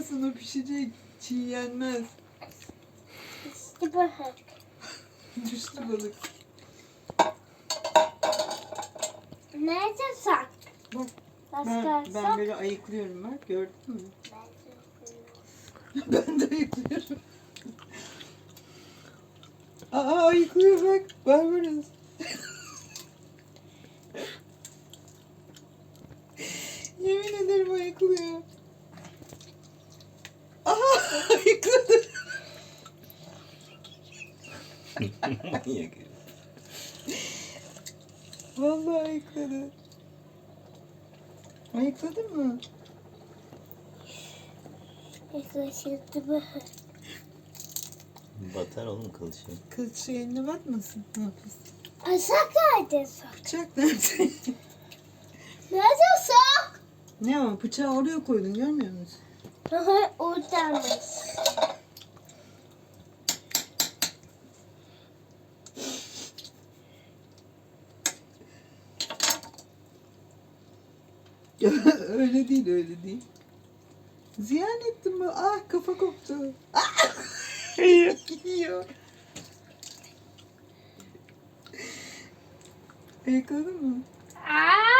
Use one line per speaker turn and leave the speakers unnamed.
ayıklamasın, o pişecek. Çiğ yenmez.
İşte balık.
Düştü balık.
Nerede sak?
Bak
Başka
ben böyle ayıklıyorum bak, gördün mü? Ben de ayıklıyorum. Aa, ayıklıyor bak. Barbaros. Yemin ederim ayıklıyor. Aha, ayıkladı.
Manyak.
Vallahi ayıkladı. Ayıkladın mı?
Yaklaşıldı balık.
Batar oğlum kılıçı.
Kılıç eline batmasın. Ne yapıyorsun?
Asak nerede sak?
Bıçak nerede?
Nerede sak?
Ne o? Bıçağı oraya koydun, görmüyor musun?
Oradanmış.
Öyle değil, öyle değil. Ziyan ettim mi? Ah, kafa koptu. Ah! Yiyor. Ayıkladın mı?
Aa!